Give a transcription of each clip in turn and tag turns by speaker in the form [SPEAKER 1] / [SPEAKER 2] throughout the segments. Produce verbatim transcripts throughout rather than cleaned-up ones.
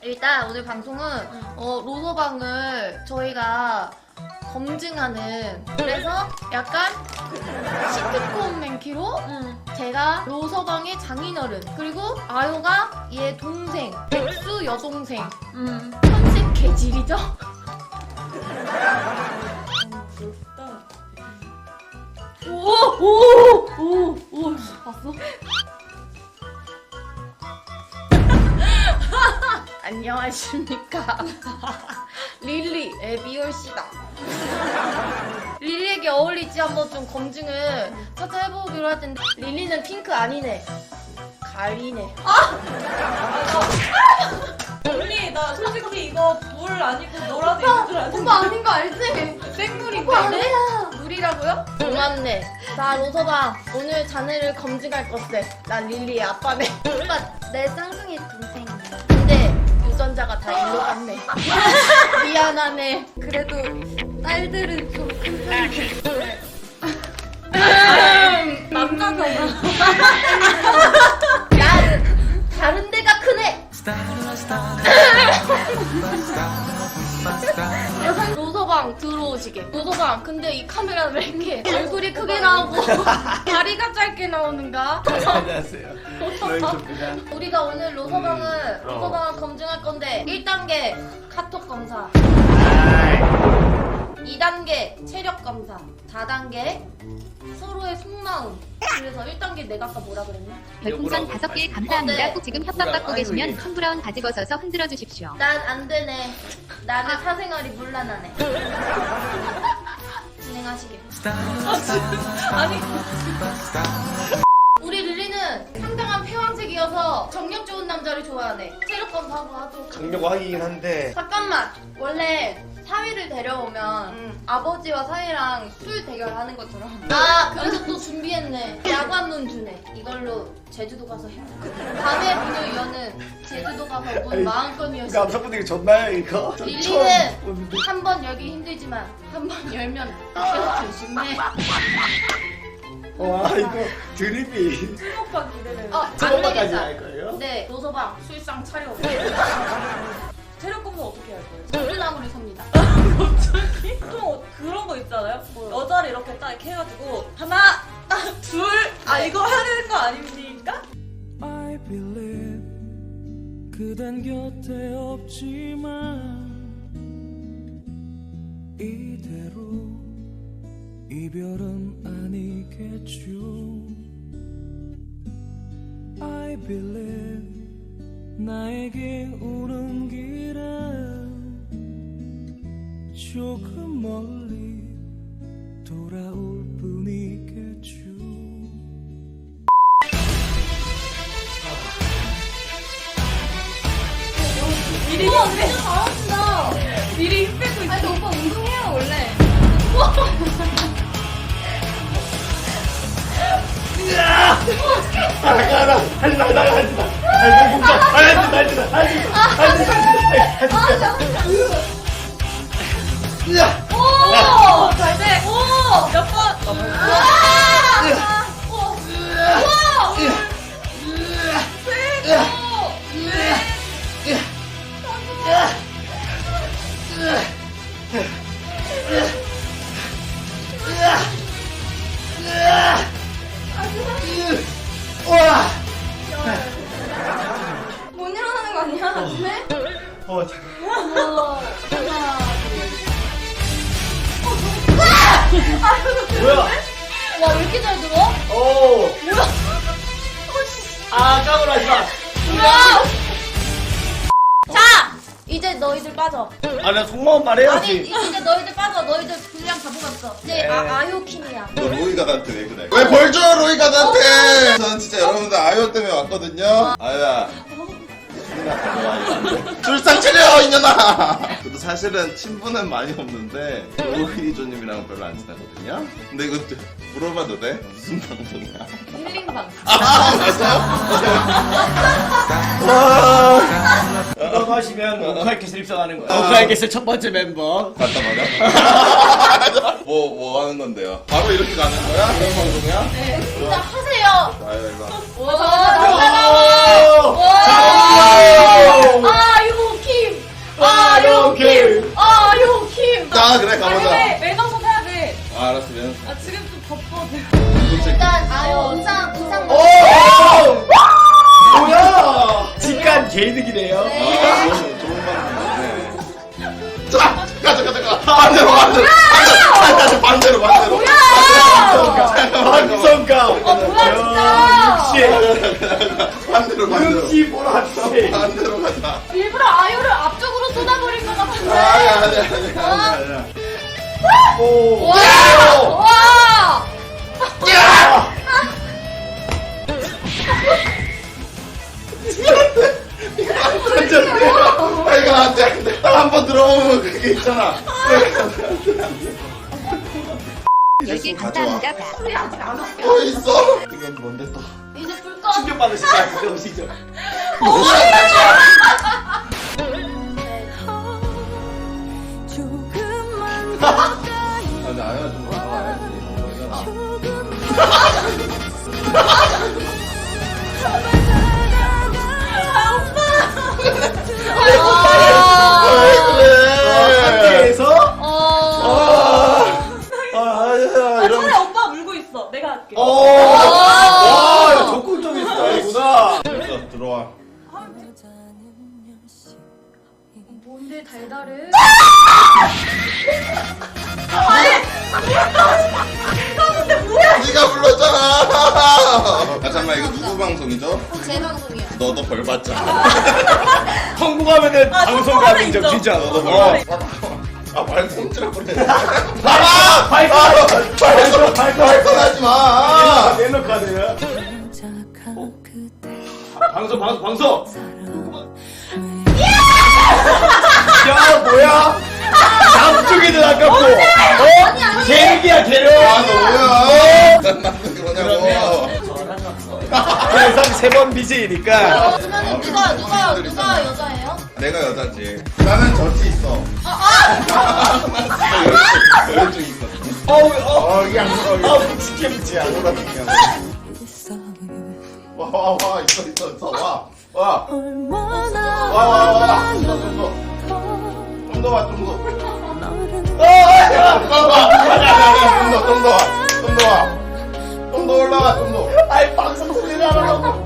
[SPEAKER 1] 일단 오늘 방송은
[SPEAKER 2] 응.
[SPEAKER 1] 어, 로서방을 저희가 검증하는, 그래서 약간 시트콤 맨키로
[SPEAKER 2] 응.
[SPEAKER 1] 제가 로서방의 장인어른, 그리고 아요가 얘 동생, 백수 여동생,
[SPEAKER 2] 응.
[SPEAKER 1] 컨셉 개질이죠?
[SPEAKER 2] 부럽다.
[SPEAKER 1] 오! 오! 오! 오! 봤어? 안녕하십니까. 릴리 에비올씨다. 릴리에게 어울릴지 한번 좀 검증을 찾아해보기로 할 텐데, 릴리는 핑크 아니네. 가리네.
[SPEAKER 2] 언니 나 솔직히 이거 물 아니고 노라도 있는 줄 알았는데.
[SPEAKER 1] 오빠 아닌 거 알지?
[SPEAKER 2] 생물인데?
[SPEAKER 1] 오빠 아니야. 물이라고요? 고맙네. 자, 로서방 오늘 자네를 검증할 것세. 난 릴리의 아빠네. 오빠 내 쌍둥이 동생이야. 근데 유전자가 다 일로 갔네. 미안하네. 그래도 딸들은 좀 큰 편이네.
[SPEAKER 2] 남자잖아.
[SPEAKER 1] 난 다른 데가 크네. 로서방 들어오시게. 로서방 근데 이 카메라는 왜 이렇게 얼굴이 크게 나오고 다리가 짧게 나오는가?
[SPEAKER 3] 안녕하세요. 로이입니다.
[SPEAKER 1] 우리가 오늘 로서방을
[SPEAKER 3] 음, 어.
[SPEAKER 1] 로서방을 검증할 건데, 일 단계 카톡 검사, 이 단계 체력 검사, 사 단계 서로의 속마음. 그래서 일 단계 내가 아까 뭐라 그랬냐?
[SPEAKER 4] 별풍선 다섯 개 감사합니다.
[SPEAKER 1] 네.
[SPEAKER 4] 꼭 지금 협박받고 계시면 컴브라운 바지 벗어서 흔들어 주십시오.
[SPEAKER 1] 난 안 되네. 나는 사생활이 문란하네. 진행하시게.
[SPEAKER 2] 아니
[SPEAKER 1] 우리 릴리는 상당한 폐왕색이어서 정력 좋은 남자를 좋아하네. 체력 검사하고 하죠.
[SPEAKER 3] 강력하긴 한데
[SPEAKER 1] 잠깐만. 원래 사위를 데려오면
[SPEAKER 2] 응.
[SPEAKER 1] 아버지와 사위랑 술 대결하는 것처럼. 아, 그래서 또 준비했네. 야관문 주네. 이걸로 제주도 가서 해. 밤의 문을 여는 제주도 가서 문
[SPEAKER 3] 아니,
[SPEAKER 1] 마음껏
[SPEAKER 3] 이거
[SPEAKER 1] 여시.
[SPEAKER 3] 암석분들이 좋나요 이거? 저
[SPEAKER 1] 릴리는
[SPEAKER 3] 처음 보는데.
[SPEAKER 1] 한 번 열기 힘들지만 한 번 열면 계속 조심해.
[SPEAKER 3] 와 이거 드립이
[SPEAKER 2] 술 먹방 기대돼요.
[SPEAKER 1] 어, 안
[SPEAKER 3] 저번까지
[SPEAKER 1] 되겠다.
[SPEAKER 3] 할 거예요?
[SPEAKER 1] 네, 노서방 술상 차려.
[SPEAKER 2] 체력 검사 어떻게 할 거예요?
[SPEAKER 1] 물나무를 섭니다.
[SPEAKER 2] 갑자기? 또 그런 거 있잖아요? 여자를 이렇게 딱 이렇게 해가지고 하나, 둘, 아 이거 해야 되는 거 아닙니까?
[SPEAKER 5] I believe 그댄 곁에 없지만 이대로 이별은 아니겠죠. I believe 나에게 오는 길은 조금 멀리 돌아올 뿐이겠죠.
[SPEAKER 2] 미리 언니 잘한다. 미리 힘 빼고 있어.
[SPEAKER 1] 아니, 오빠 운동해요, 원래.
[SPEAKER 3] 나가라 하지 마 나가 하지 마 하지 마 하지 마 하지 마 하지 마
[SPEAKER 2] 오! 잘 돼. 오! 몇 번?
[SPEAKER 1] 아!
[SPEAKER 2] 오!
[SPEAKER 3] 와!
[SPEAKER 1] 못 일어나는 거 아니야? 네?
[SPEAKER 3] 어 잠깐
[SPEAKER 1] 우와. 하나,
[SPEAKER 3] 뭐야?
[SPEAKER 1] 와, 왜 이렇게 잘 들어?
[SPEAKER 3] 오! 아 까불하지 마!
[SPEAKER 1] 우와! 자! 이제 너희들 빠져.
[SPEAKER 3] 아나 속마음
[SPEAKER 1] 아니,
[SPEAKER 3] 말해야지
[SPEAKER 1] 이제 너희들 빠져. 너희들 분량 다 뽑았어. 이제
[SPEAKER 3] 네.
[SPEAKER 1] 아, 아요킴이야.
[SPEAKER 6] 너 로이가 나한테 왜 그래? 왜 벌 줘 로이가 나한테! 저는 진짜 여러분들 아이오 때문에 왔거든요. 아유야. 출상 차려 이년아. 저도 사실은 친분은 많이 없는데 로이조님이랑 별로 안 친하거든요. 근데 이거 좀 물어봐도 돼? 무슨 방송이야?
[SPEAKER 1] 힐링방.
[SPEAKER 6] 아 맞아요?
[SPEAKER 3] 넘어가시면 오카이캐슬 입성하는 거야
[SPEAKER 6] 아.
[SPEAKER 3] 오카이캐슬 첫 번째 멤버
[SPEAKER 6] 갔다 말이야? 뭐, 뭐 하는 건데요? 바로 이렇게 가는 거야? 그런 방송이야?
[SPEAKER 1] 네, 진짜 하세요.
[SPEAKER 6] 아유 이거.
[SPEAKER 1] 와,
[SPEAKER 3] 오!
[SPEAKER 1] 와, 와. 아, 이거
[SPEAKER 6] 아 그래
[SPEAKER 2] 아니
[SPEAKER 6] 가보자.
[SPEAKER 2] 왜 매장선 해야 돼.
[SPEAKER 6] 아 알았어 미안.
[SPEAKER 2] 아 지금 좀 덥거든.
[SPEAKER 1] 일단 아유 의상 의상
[SPEAKER 3] 오! 뭐야? 직관 개이득이네요.
[SPEAKER 1] 네.
[SPEAKER 6] 아 좋은 좋은 방법이네. 자 가자 가자 가. 반대로 반대로 반대로 반대로 반대로.
[SPEAKER 3] 방송가.
[SPEAKER 2] 어 뭐야 진짜.
[SPEAKER 3] 역시.
[SPEAKER 6] 반대로 반대로.
[SPEAKER 3] 역시 보라씨.
[SPEAKER 6] 반대로 가자.
[SPEAKER 1] 일부러 아유를 앞쪽으로 쏟아버릴 것 같은데.
[SPEAKER 6] 아니 아니 아니 아니.
[SPEAKER 3] 오.
[SPEAKER 1] 와! 와!
[SPEAKER 6] 아 이거 안돼. 한번 들어보면 그게 있잖아.
[SPEAKER 4] 열 개 감사합니다.
[SPEAKER 6] 어 있어. 이건 뭔데 또?
[SPEAKER 1] 이제 불 꺼.
[SPEAKER 3] 충격 받으실 것 같은데 오시죠.
[SPEAKER 5] 조금만
[SPEAKER 6] 아 근데 아야 좀 나와야지.
[SPEAKER 3] 상태에서
[SPEAKER 1] 어.
[SPEAKER 6] 아 아야
[SPEAKER 2] 아
[SPEAKER 6] 이런.
[SPEAKER 2] 차라리 오빠 울고 있어. 내가 할게.
[SPEAKER 3] 와, 야, 적극적인 스타일이구나.
[SPEAKER 6] 됐어 들어와.
[SPEAKER 1] 뭔데 달달해?
[SPEAKER 6] 네가 불렀잖아. 아 잠깐만 이거 누구 방송이죠?
[SPEAKER 1] 제 방송이야.
[SPEAKER 6] 너도 벌 받자.
[SPEAKER 3] 성공하면은
[SPEAKER 2] 아,
[SPEAKER 3] 방송가는 인정
[SPEAKER 2] 성공하면
[SPEAKER 3] 진짜.
[SPEAKER 6] 너도 벌
[SPEAKER 3] 어.
[SPEAKER 6] 받자. 아 발톱질 보내.
[SPEAKER 3] 봐봐! 발표! 발표! 발표!
[SPEAKER 6] 발톱하지 마.
[SPEAKER 3] 멜로 카드야.
[SPEAKER 5] 착한 그대
[SPEAKER 3] 방송, 방송, 방송! 야, 뭐야? 남쪽에는 아깝고, 어? 계획이야, 계획!
[SPEAKER 6] 아 너야. 난 남는 게 뭐냐고.
[SPEAKER 3] 항상 세번 비제이니까.
[SPEAKER 1] 그러면 누가 누가 누가 여자예요?
[SPEAKER 6] 내가 여자지. 나는 젖이 있어. 여자증 있어.
[SPEAKER 3] 어우, 어,
[SPEAKER 6] 어 이게 안 들어.
[SPEAKER 3] 아, 묵직해, 묵직해.
[SPEAKER 6] 안 들어.
[SPEAKER 5] 있어요.
[SPEAKER 6] 와와와 있어 있어 있어 와. 와.
[SPEAKER 5] 얼마나
[SPEAKER 6] 와 와 와. 좀 더 좀 더.
[SPEAKER 5] 더
[SPEAKER 6] 좀 더 와 좀 더.
[SPEAKER 5] 너를
[SPEAKER 6] 아, 좀더 좀 더 와. 좀 더 와. 좀 더 올라가 좀 더.
[SPEAKER 3] 아이, 방송 소리를 안 하라고.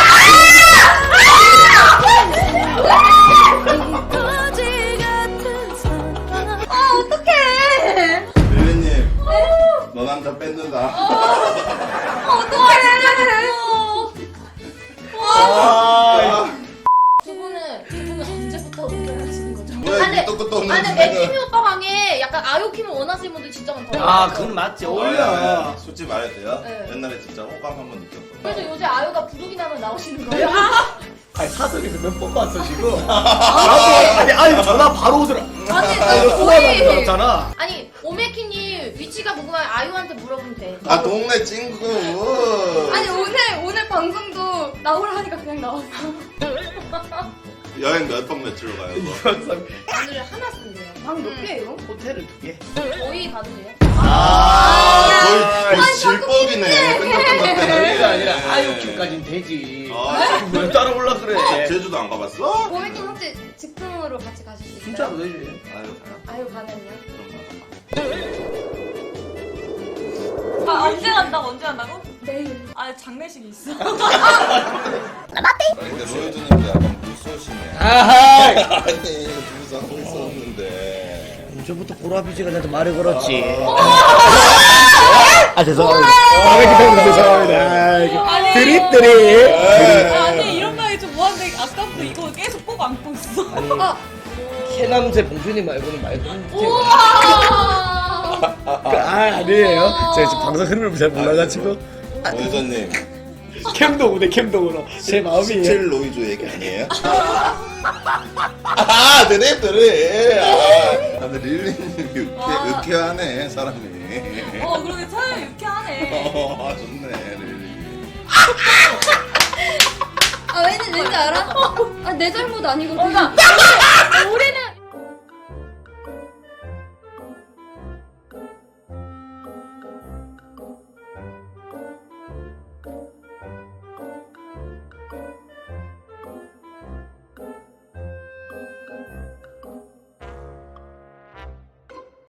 [SPEAKER 5] 거지 같은 사랑
[SPEAKER 1] 아 어떡해?
[SPEAKER 6] 릴리님. 너 남자 뺏는다.
[SPEAKER 1] 어떡해?
[SPEAKER 3] 아,
[SPEAKER 1] 두 분은 두 분은 언제부터 결혼하시는 거죠?
[SPEAKER 6] 뭐야,
[SPEAKER 1] 아니,
[SPEAKER 6] 밑도 끝도 없는
[SPEAKER 1] 아니
[SPEAKER 6] 분야는.
[SPEAKER 1] 맥키미 오빠 방에 약간 아요킴을 원하시는 분들 진짜 많더라고요.
[SPEAKER 3] 아, 그건 맞지. 어울려.
[SPEAKER 6] 솔직히 말해도 돼요?
[SPEAKER 1] 네.
[SPEAKER 6] 옛날에 진짜 호감 한 번 느꼈어.
[SPEAKER 1] 그래서 요새 아요가 부르기 나면 나오시는 거예요?
[SPEAKER 3] 아니, 사석에서 몇 번 봤어, 지금. 나도, 아니, 아니, 전화 바로 오더라.
[SPEAKER 1] 아니
[SPEAKER 3] 아, 이거 통화하는 줄 알았잖아.
[SPEAKER 1] 아니 오메키님 위치가 궁금하면 아유한테 물어보면 돼.
[SPEAKER 6] 아 동네 친구.
[SPEAKER 1] 아니 오늘 오늘 방송도 나오라 하니까 그냥 나왔어.
[SPEAKER 6] 여행 몇 박 며칠로 가요? 너?
[SPEAKER 3] 항상
[SPEAKER 1] 오늘 하나 쓴대요. 방 몇 개예요?
[SPEAKER 3] 호텔을 두 개.
[SPEAKER 1] 저희 가도 돼요?
[SPEAKER 6] 아, 거의, 거의
[SPEAKER 1] 아니,
[SPEAKER 6] 질법이네. 끝났끝났네.
[SPEAKER 3] 그게 아니라 아이오큐까지는 되지.
[SPEAKER 6] 아,
[SPEAKER 3] 왜 따라 올라 그래?
[SPEAKER 6] 제주도 안 가봤어?
[SPEAKER 1] 오메키님 혹시 즉흥으로 같이 가실 수 있어요?
[SPEAKER 3] 진짜로 되지.
[SPEAKER 6] 아유 가요.
[SPEAKER 1] 아유 가면요?
[SPEAKER 6] 그럼
[SPEAKER 2] 아 언제 간다고 언제 간다고?
[SPEAKER 1] 내일.
[SPEAKER 2] 아 장례식이 있어.
[SPEAKER 6] 가. 근데 로이즈님도 약간 물쏘시네.
[SPEAKER 3] 아하!
[SPEAKER 6] 아니 둘이서 하고 있었는데.
[SPEAKER 3] 언제부터 보라비지가 나한테 말을 걸었지. 아 죄송합니다. 아 기다려 죄송합니다.
[SPEAKER 2] 아니.
[SPEAKER 3] 드립 드립.
[SPEAKER 2] 아니 이런 말이 좀 뭐한데 아까부터 이거 계속 꼭 안고 있어.
[SPEAKER 1] 아,
[SPEAKER 3] 캐남새 봉준이 말고는 말고는.
[SPEAKER 1] 우와.
[SPEAKER 3] 아 아니에요. 제가 지금 방송 흐름을 잘 몰라가지고.
[SPEAKER 6] 로이즈님
[SPEAKER 3] 캠동으로 캠동으로 제 마음이.
[SPEAKER 6] 십칠 로이즈 얘기 아니에요? 아 드립 드립. 아 근데 릴리님 유쾌,
[SPEAKER 2] 와.
[SPEAKER 6] 유쾌하네 사람이.
[SPEAKER 2] 어 그러게 차라리 유쾌하네.
[SPEAKER 6] 어, 아 좋네 릴리.
[SPEAKER 1] 아 왠지 왠지 알아? 아 내 잘못 아니거든.